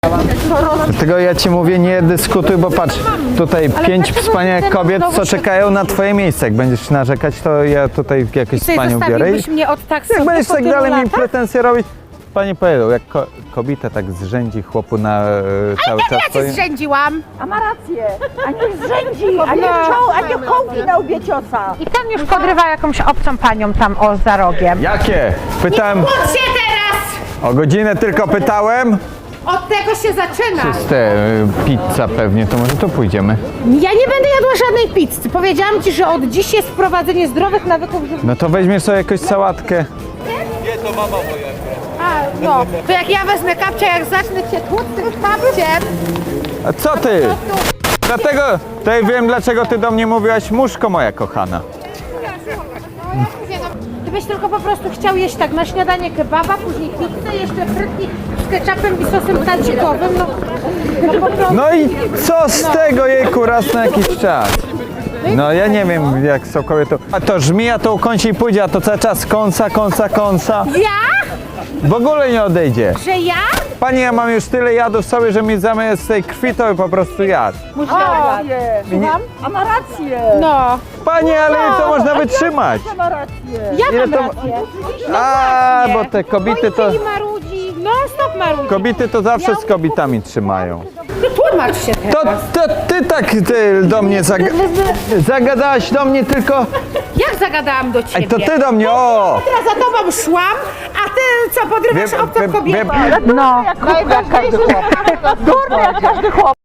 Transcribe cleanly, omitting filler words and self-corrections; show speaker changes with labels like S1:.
S1: Dlatego ja ci mówię, nie dyskutuj, bo patrz, tutaj 5 wspaniałych kobiet, co czekają na twoje miejsce. Jak będziesz narzekać, to ja tutaj jakieś z panią biorę.
S2: Zostawiłbyś mnie od tak
S1: Jak
S2: sobie
S1: będziesz
S2: po
S1: tak
S2: tylu
S1: dalej mi
S2: latach?
S1: pretensje robić, pani powiedział, jak kobieta tak zrzędzi chłopu na cały czas.
S2: Ja cię zrzędziłam.
S3: A ma rację, a nie zrzędzi, a nie kołki na łbie ciosa.
S2: I tam już podrywa jakąś obcą panią tam za rogiem.
S1: Jakie? Pytałem,
S2: Kłóć się teraz!
S1: o godzinę tylko pytałem.
S2: Od tego się zaczyna.
S1: Czyste pizza pewnie, to może tu pójdziemy.
S2: Ja nie będę jadła żadnej pizzy. Powiedziałam ci, że od dziś jest wprowadzenie zdrowych nawyków żywnościowych.
S1: No to weźmiesz sobie jakąś sałatkę.
S2: A, no, to jak ja wezmę kapcia, jak zacznę cię tłuc tym kapciem,
S1: A co ty? Dlatego, to ja wiem dlaczego ty do mnie mówiłaś, muszko moja kochana.
S2: gdybyś tylko po prostu chciał jeść tak na śniadanie kebaba, później pizzę, jeszcze frytki z ketchupem i sosem tadzikowym, no po prostu.
S1: No i co z tego, jejku, raz na jakiś czas? No ja nie wiem jak są kobiety. A to żmija to ukąsi i pójdzie, a to cały czas kąsa.
S2: Ja?
S1: W ogóle nie odejdzie.
S2: Że ja?
S1: Pani, ja mam już tyle jadów sobie, że mi zamiast tej krwi to po prostu jadł.
S3: A ma rację.
S2: No.
S1: Pani, ale to można wytrzymać.
S3: Ma rację.
S2: Ja
S1: Ile
S2: mam
S1: to-
S2: rację.
S1: A, bo te kobiety to...
S2: I marudzi, no stop marudzi.
S1: Kobiety to zawsze z kobietami trzymają.
S2: No tłumacz się teraz.
S1: To ty tak do mnie zagadałaś do mnie tylko...
S2: Jak zagadałam do ciebie?
S1: Ej, to ty do mnie, o!
S2: Teraz za tobą szłam, a ty co, podrywasz obcą kobietę?
S3: No, jak każdy chłop. Durny jak każdy chłop.